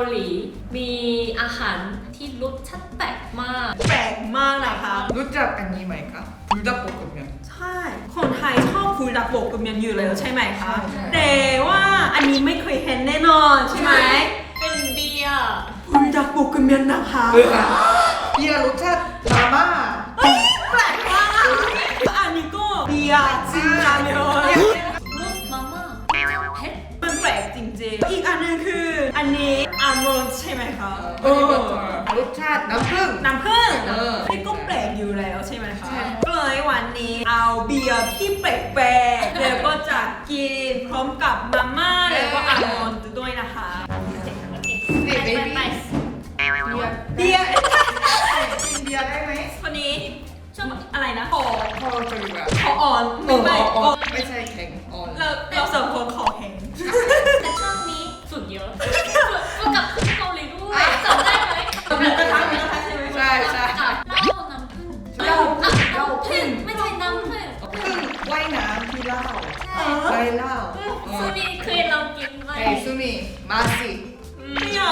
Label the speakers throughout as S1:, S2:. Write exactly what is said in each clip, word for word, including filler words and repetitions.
S1: หลีมีอาหารที่รสชาติแปลกมาก
S2: แปลกมากนะคะ
S3: รู้จักอันนี้ไหมคะรู้จักปกติไหม
S2: ใช่คนไทยชอบฟูดักโบกกับเมียนอยู่แล้วใช่ไหมคะ
S3: ใช่
S2: แต่ว่าอันนี้ไม่เคยเห็นแน่นอนใช่ไหม
S1: เป็นเบียร์
S2: ฟูดักโบกกับเมียนนะคะ
S3: เอออะเบียร์รสชาติมาม่า
S2: เฮ้ยแปลกมากอันนี้ก็เบียร์จริงจังเลย
S1: รสมาม่าเผ็ด
S2: มันแปลกจริงๆอีกอันหนึงคืออันนี้อัลมอนด์ใช่ไหมคะ
S3: เออรสชาติน้ำผึ้ง
S2: น้ำผึ้ง
S3: เออ
S2: นี่ก็แปลกอยู่แล้วใช่ไหมคะ
S3: ใช่
S2: ก็เลยวันนี้เอาเบียร์ที่แปลกๆแล้วก็จะกินพร้อมกับมาม่าแล้วก็อัลมอนด์ด้วยนะคะ
S3: นี่เบ
S1: ไป
S3: บี้
S1: ไป
S3: เบียร์
S2: เบียร์
S3: กินเบียร์ได้ไหม
S2: คนนี้ชอบอะไรนะคอ
S3: พอจะดีกว่า
S2: คออ่อนไม่ไม่
S3: อ่
S2: อ่
S3: อ
S2: อน
S3: นไม่ใช่แข็งอ่อน
S2: เราเราสองคนคอแข็ง
S1: แต่ช่วงนี้สุดเยอะก็กับเกาหลีด้วยจำได้ไหม
S2: หมูกระทะหมูกระทะใช่ไหม
S3: ใช่ใช่
S1: เหล้าน้ำผึ้ง
S3: เหล้า
S1: อ่ะ
S3: เหล้า
S1: พึ่งไม่ใช่น้ำผึ้ง
S3: พึ่งว่ายน้ำที่เหล้า
S1: ใช่
S3: ไปเหล้า
S1: ซูนี่เคยลองกินไหม
S3: เฮ้ยซูมิมาสิ
S2: ไม่เอา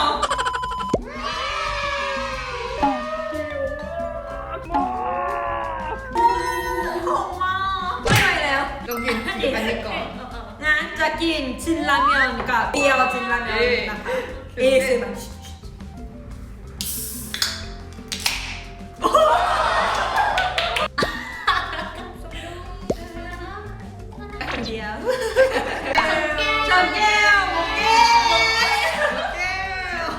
S2: หอมมากไม่ไหวแล้ว
S3: ต้องกินกินอันนี้ก่อน
S2: งั้นจะกินชินราเมยอนกับเบียร์ชินราเมยอนนะคะเอซิมันเดียวชนแก้วแก้ว
S3: แก้ว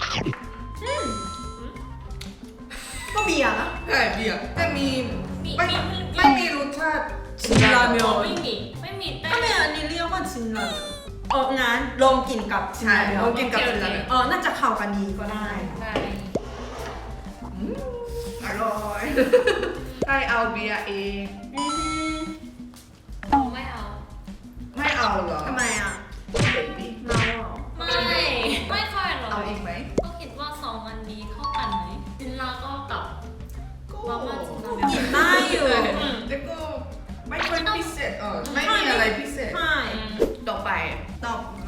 S2: ก็เบียร์นะ
S3: ใช่เบียร์แต่มี
S1: มี
S3: ไม่
S1: มี
S3: ไม่มีรสชาติ
S2: ชินราเมยอน
S1: ไม่มีไม่มีแต่
S2: ทำไมอันนี้เรียกว่าชินราเมยอนเอองั้นลองกินกับชิน
S3: ใช่
S2: ราเมย
S3: เรา
S2: อน
S3: กินกับชินราเมยอน
S2: เออน่าจะเข้ากันดีก็ได้
S1: ใช่
S3: อร่อยให้เอาเบียร์เอง
S2: อืม
S1: ไม่เอา
S3: ไม่เอาเหรอ
S2: ทำไมอ่ะ
S3: เบบี้
S2: เมาเหรอ
S1: ไม่ไม่ค่อยหรอก
S3: เอาอีกไหม
S1: ก็คิดว่าสองอันนี้เข้ากันไหมจินลาก็กับมาม่าจินลา
S2: กินได้อยู่
S3: แต่ก็ไม่ค่อยพิเศษเออไม่มีอะไรพิเศษ
S2: ใช่
S3: ต่อไป
S2: ต่อไป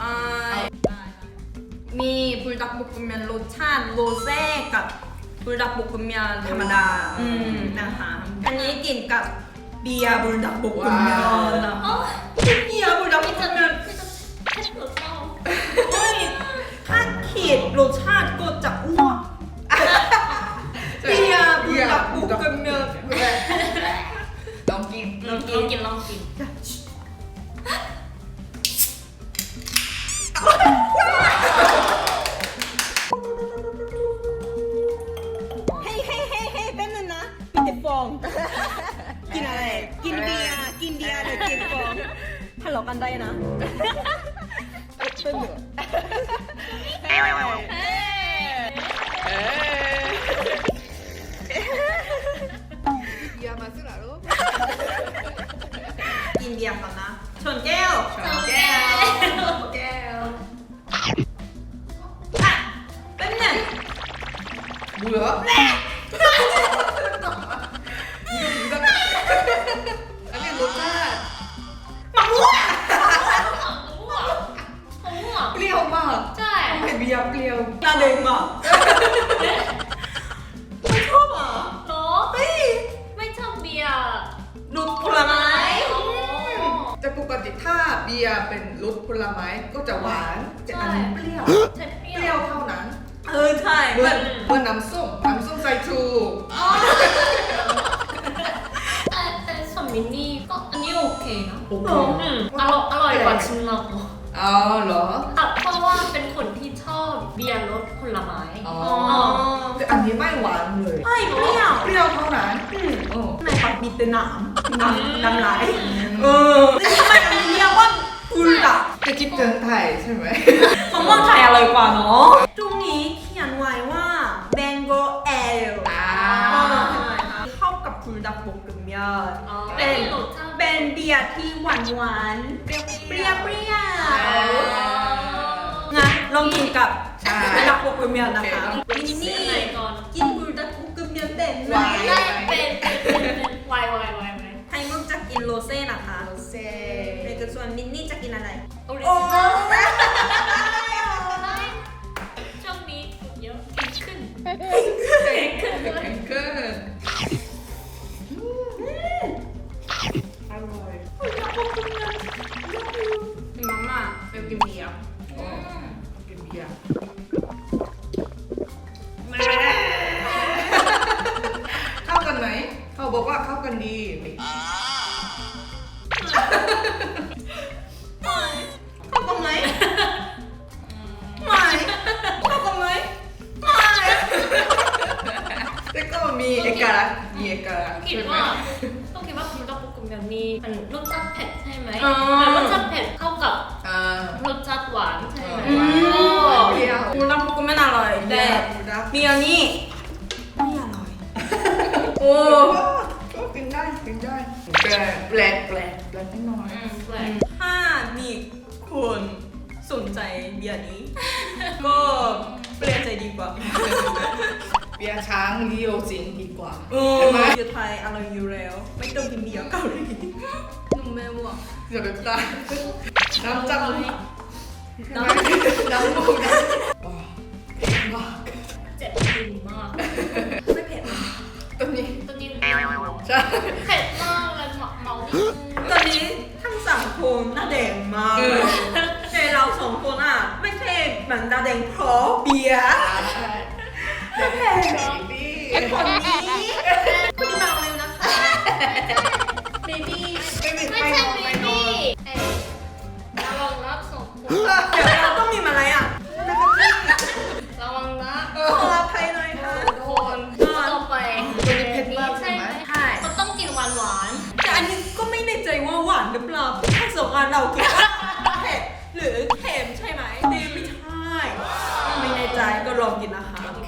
S2: มีบุลดักบุกเมียนรสชาติโรเซ่กับบุลดักบุกเมียนธรรมดาอืมนะคะอันนี้กินกับเบียร์บุลดักบุกเมียนนะ
S1: อ๋อ
S2: เบียร์บุลดักบุ
S1: พี่
S2: ก
S1: จะ
S2: เมียน
S1: พี่จะเผ็ดหรือเปล่า
S2: เฮ้ยถ้าขีดรสชาติก็จะอ้วกเบียร์บุลดักบุกเมียน
S3: ลองกิน
S1: ลองกินลองกินลองกิน
S2: เฮ้ยเฮ้ยเฮ้ยเฮ้ยแป๊บนึงนะมีแต่ฟอง กินอะไร กินเบียร์ กินเบียร์หรือกินฟองทะเลาะกันได้นะเป็นเหรอ
S1: เฮ้ย
S3: เบียร์มาสิล่ะลูก
S2: กินเบียร์ก่อนนะชนแก้ว
S1: สองแก้ว
S3: แก้ว
S2: อ่ะแป๊บนึง
S3: เบื่ออันนี้รสชาติ
S2: มะม่วง
S1: ม่วงม่วง
S3: เปรี้ยวมาก
S1: ใช่
S3: ทำไมเบียร์เปรี้ยว
S2: ตาเด้งอ่ะไม่ชอบอ่ะ
S1: เหรอ
S2: เฮ้ย
S1: ไม่ชอบเบียร์
S2: รสผลไม้
S1: อ๋อ
S3: แต่ปกติถ้าเบียร์เป็นรสผลไม้ก็จะหวานแต่อันนี้เปรี้ยว
S1: ใช่เปรี้
S3: เปรี้
S1: ย
S3: ยว วเท่านั้น
S2: เออใช่
S3: เหมื
S2: มั
S3: อน
S2: น
S3: เหมือนน้ำส้มน้ำส้มสายชู
S1: แต่แต่ส่วนมินนี่ก็อันนี้โอเคนะ
S3: โอเค
S1: อืมอร่อยอร่อยกว่าชินลา
S3: อ๋อเหรอ
S1: อ่ะเพราะว่าเป็นคนที่ชอบเบียร์รสผลไม้
S3: อ๋อ
S2: อ๋อ
S3: แต่อันนี้ไม่หวานเลย
S2: ใช่เปรี้ยว
S3: เปรี้ยวเท่านั้น
S2: อืม
S3: โอ้
S2: ในปากมีแต่หนามน้ำน้ำลายเออนี่ทำไมอันนี้เรียกว่ากุลดัก
S3: จะคิดถึงไทยใช่ไหม
S2: มะม่วงไทยอร่อยกว่าเนาะตรงนี้เขียนไว้ว่า Mango Ale
S3: อ่า
S2: เข้ากับกุลดักบกกึ่มยอด
S1: อ๋อ
S2: เป็น
S1: รสชาติ
S2: เป็นเบียร์ที่หวานหวานๆเปรี้ยวเปรี้ยวเปรี้ยวงั้นลองกินกับกุลดักบกกึ่มยอดนะคะ
S3: โอเค
S2: นี่
S1: นี่ไหนก่อน
S2: กินกุลดักบกกึ่มยอดเด่น
S3: หวาน
S1: ได้เป็นเป็นเป็นเป็นไวไวไวไว
S2: ไทยมุกจะกินโรเซ่นะคะ
S3: เซ่
S2: ในกระส่วนมินนี่จะกินอะไร
S1: ออริ
S2: โอ้
S1: จินอลช่วงนี้เก่งขึ้นด้วย
S3: แข็งเกินอร่อย
S2: มาม่าเบลกินเบียร์
S3: อ๋อกินเบียร์เข้ากันไหมเขาบอกว่าเข้ากันดี
S2: เข้ากันไหมไม่เข้ากันไหมไม่
S3: แต่ก็มีเอกลักษณ์มีเอกลักษณ์
S1: คิด
S3: ใช่ไหม
S1: ว่าต้องคิดว่าคุณต้องปรุงแบบมีมันรสชาติเผ็ดใช่ไหม
S2: อ๋อ
S1: แต่รสชาติเผ็ดเข้ากับ
S3: อ่าร
S1: สชาติหวานใช่ไหม
S3: อืมเปรี้ยว
S2: บูรักบุกไม่อร่อยแต่
S3: รัก
S2: เบียร์นี่ไม่อร่อยโอ้
S3: ก็กินได้กินได้แปลกแปลกแปลกแปลกนิดหน่อย
S1: อืมแปลก
S2: ถ้ามีคนสนใจเบียร์นี้ ก็เปลี่ยนใจดีกว่า
S3: เบียร์ช้างเลี้ยวจริงดีกว่า
S2: โอ้
S3: ใช่ไหม
S2: เบียร์ไทยอร่อยอยู่แล้ว ไม่ต้องกินเบียร์เกาหลีนุ่มแม่ว่ะ
S3: เดี๋ยวแบบตายน้ำจับ
S1: เอา
S3: มือ
S1: ไว้
S3: น้ำน้ำมูกน้ำว้าวเผ็ดมาก
S1: เจ็บจริงมาก
S2: ไม่เผ็ดนะ
S3: ตัวนี้
S1: ตอนนี้
S3: ใช่
S1: เผ็ดมากเลยเมาเมานิดนึง
S2: ตอนนี้ทั้งสามคนหน้าแดงมากเลยแต่เราสองคนอ่ะ ไม่ใช่เหมือนหน้าแดงเพราะเบียร์
S3: เดี๋ยวแพ้ดี
S2: ไอ้คนนี้คุณเมาเร็วนะคะเบบี้
S3: ไม่มี
S1: ไม่
S3: ไป
S1: ใช่
S3: นอน
S1: บี
S3: ไปนอ
S1: บี้
S3: น
S1: เอ้ยระวังรับส่งผล
S2: เดี๋ยวเราต้องมีมาอะไรอ่ะนะคะพี่
S1: ระวังนะ
S2: ขออภัยหน่อยค่ะ
S1: ทุกคนต่อไป
S3: ตัวนี้เผ็ดมากใช่ไหม
S2: ใช่
S1: มันต้องกินหวานหวาน
S2: แต่อันนี้ก็ไม่แน่ใจว่าหวานหรือเปล่าถ้าสองอันเราคิดว่าเผ็ดหรือเค็มใช่ไหมดีไม่ใช่ไม่แน่ใจก็ลองกินนะคะ
S3: โอเค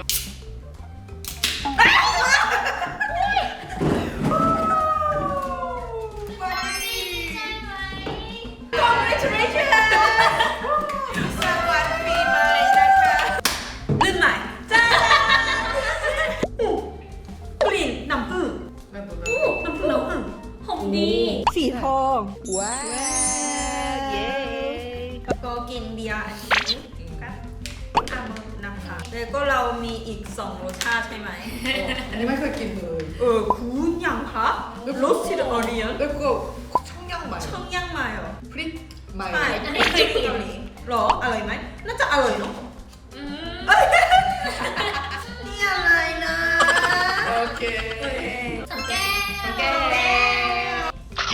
S1: ๆใช่ไหม
S2: Congratulations
S3: สวัสดีใหม่นะคะ
S2: ลื่นใหม่จ้าอู้กลิ่นน้ำผึ้ง
S3: ไม่เป็นไร
S2: อู้น้ำผึ้งน้ำผึ้ง
S1: หอมดี
S2: สีทองว้า
S3: เย้
S2: แล้วก็กินเบียร์อันนี้กันอ่ะนะคะแล้วก็เรามีอีกสองรสชาติใช่ไหม
S3: อันนี้ไม่เคยกินเลย
S2: เออคุณยังคะรสชิดออเรียน
S3: แล้วก็ช่องย่างใหม่
S2: ช่องย่างมาเหรอ
S3: พริกใหม่
S2: ใช่อันนี้คือเกาหลีหรออร่อยไหมน่าจะอร่อยเนาะ
S1: อืม
S2: นี่อะไรนะ
S3: โอเค
S1: สังแก้ว
S3: สังแก้ว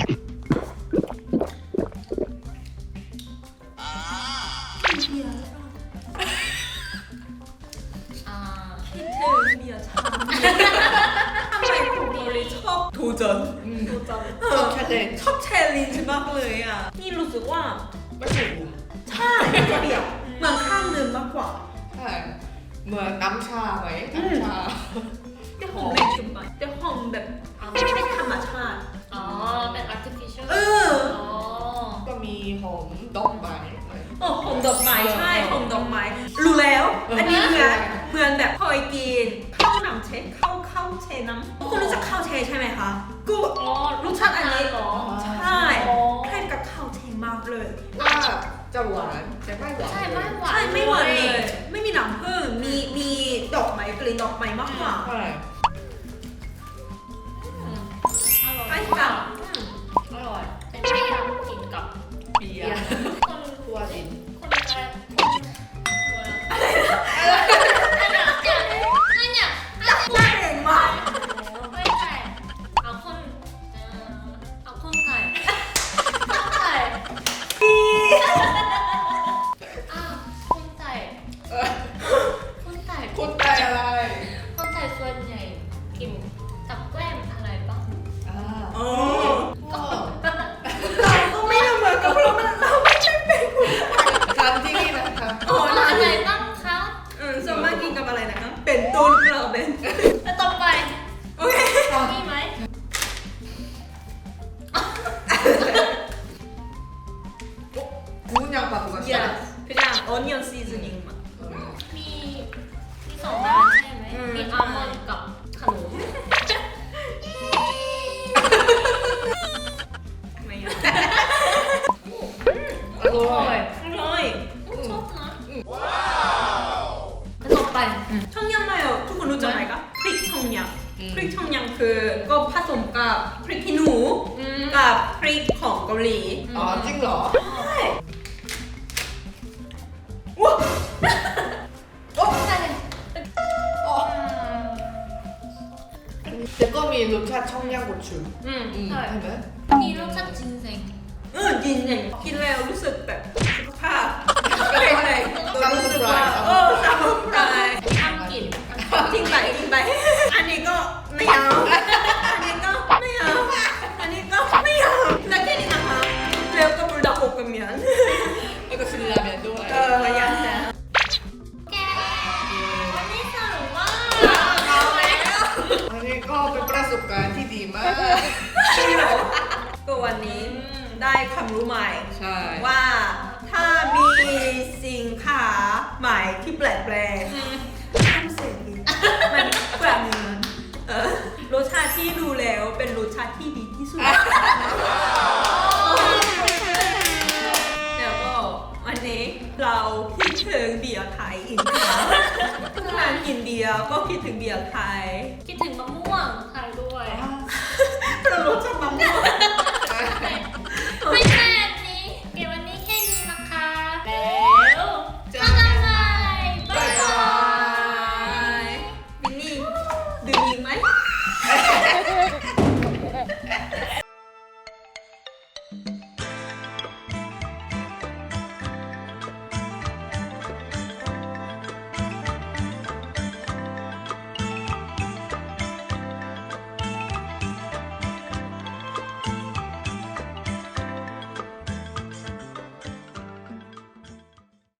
S1: อ่า
S2: คิดถึงเบียร์ชาทำไมคุณโดริชอบทูจน
S3: อืม
S2: ทูจน
S3: ชอบแชร์เลน
S2: ชอบแชร์ลินมากเลยอ่ะ นี่รู้สึกว่า
S3: ไม่ถูก
S2: ใช่เบียร์เหมือนข้ามเดินมากกว่า
S3: ใช่เหมือนน้ำชาไหมน้ำชา
S2: แต่หอมแรงจุดไปแต่หอมแบบไม่ใช่ธรรมชาติ
S1: อ๋อ เป็น artificial
S2: เออ
S1: อ๋อ
S3: ก็มีหอมดอกไม้
S2: โอ้หอมดอกไม้ใช่หอมดอกไม้ รู้แล้ว อันนี้เหมือนเหมือนแบบเคยกินข้าวหนำเชข้าวข้าวเชน้ำคุณรู้จักข้าวเชใช่ไหมคะกู
S1: อ๋อ
S2: รสชาติอันนี้
S1: เหรอ
S2: ใช่คล้ายกับข้าวเชมากเลย
S3: ว่าจะหวานแต่ไม่หวาน
S1: ใช่ไม่หวาน
S2: ใช่ไม่หวานเลย ไม่มีน้ำผึ้งมีมีดอกไม้กลิ่นดอกไม้มากกว่า
S3: ใช่
S1: อืมอร่อย
S2: ไปกับ
S1: อืมอร่อย เป็นที่อยากกินกับ
S3: เบีย
S1: เบีย
S3: ร์
S1: ร์คน
S3: ทัวดิน
S1: คนอะไรอะไรนะอะไรนะอะไรเนี่ย
S2: หน้าแดงมาก
S1: ไม่ใช่เอาคนเอ่อเอาคนไก่คนไก่อ้าวคนไก่
S3: เออ
S1: คนไก่
S3: คนไทยอะไร
S1: คนไก่ส่วนใหญ่กินกับแกล้มอะไรบ้าง
S3: อ่า
S2: อ๋อ
S3: ก็
S2: เราก็ไม่ได้เหมือนกับเรามันเราไม่ใช่เป็นคน
S3: ทำที่นี่นะคะ
S2: อ๋อ
S1: อะไรบ้างคะ
S2: เออส่วนมากหลี
S3: อ๋อจริงเหรอ
S2: ใช่ว้าโอ้
S1: ใช่
S3: อ๋อแต่ก็มีรสชาติช่องย่างบดชุน
S2: อืม
S3: อืม
S1: ใช่
S3: ใช่ไหม
S1: มีรสชาติจินเซ็ง
S2: เออกินอย่างกินแล้วรู้สึกแบบสุขภาพก็เลยเลยรู้สึกว่าเออสมุนไพร
S1: ทำกลิ่น
S2: ทิ้งไปทิ้งไป อันนี้ก็ไม่เอา อันนี้ก็ไม่เอา อันนี้ก็ไม่เอาแล้วแค่นี้นะคะแล้วก็บรูดาโกกับเมียน
S3: แล้วก็ซื้อราเมนด้วย
S2: เอออย่างนี้
S1: แกวันนี้สนุกมาก
S2: เอาแล้ว
S3: อันนี้ก็เป็นประสบการณ์ที่ดีมาก
S2: ก็วันนี้ได้ความรู้ใหม่
S3: ใช่
S2: ว่าถ้ามีสินค้าใหม่ที่แปลกแปลกทำเสร็จดีมันแปลกเหมือนเออรสชาติที่ดูแล้วเป็นรสชาติที่ดีที่สุด แล้วก็วันนี้เราคิดถึงเบียร์ไทยอีกครั้งทุกครั้งกินเบียร์ก็คิดถึงเบียร์ไทย
S1: คิดถึงมะม่วงไทยด้วย
S2: เรารสชาติมะม่วง